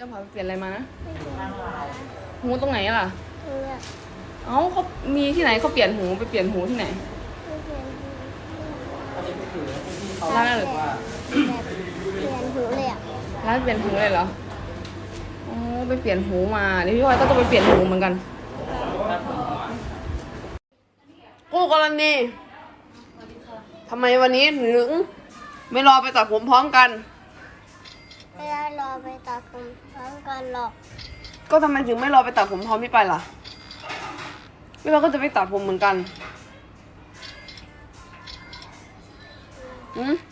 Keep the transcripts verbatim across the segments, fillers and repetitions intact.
จะพาไปเปลี่ยนอะไรมานะไม่ถูกนะหูตรงไหนล่ะเนี่ยเอ้าเขามีที่ไหนเขาเปลี่ยนหูไปเปลี่ยนหูที่ไหนไม่เปลี่ยนหูร้านอะไรแบบเปลี่ยนหูเลยอ่ะร้านเปลี่ยนหูเลยเหรออ๋อไปเปลี่ยนหูมาเดี๋ยวพี่พลอยก็ต้องไปเปลี่ยนหูเหมือนกันกู้กรณีทำไมวันนี้ถึงไม่รอไปตัดผมพร้อมกันไม่ได้รอไปตัดผมพร้อมกันหรอกก็ทำไมถึงไม่รอไปตัดผมพร้อมพี่ไปล่ะพี่พลอยก็จะไปตัดผมเหมือนกันอืม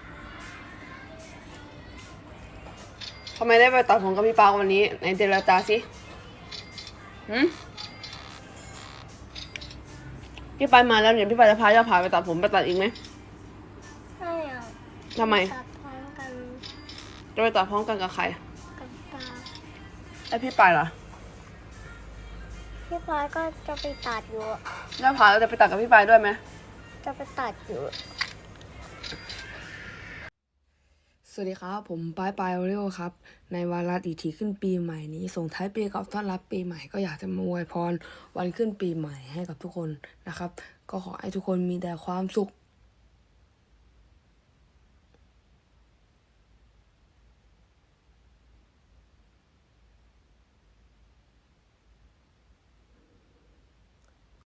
ทำไมได้ไปตัดผมกับพี่ปาวันนี้ในเจรจาสิหืมพี่ไปมาแล้วเนี่ยพี่ไปจะพาเจ้าผาไปตัดผมไปตัดอีกไหมไม่เอาทำไมตัดพร้อมกันจะไปตัดพร้อมกันกับใครกับปลาไอพี่ไปเหรอพี่พลอยก็จะไปตัดอยู่อะเจ้าผาเราจะไปตัดกับพี่ไปด้วยไหมจะไปตัดอยู่สวัสดีครับผมปายปายโอเรียวครับในวาระดีทีขึ้นปีใหม่นี้ส่งท้ายปีกับต้อนรับปีใหม่ก็อยากจะมาอวยพรวันขึ้นปีใหม่ให้กับทุกคนนะครับก็ขอให้ทุกคนมีแต่ความสุข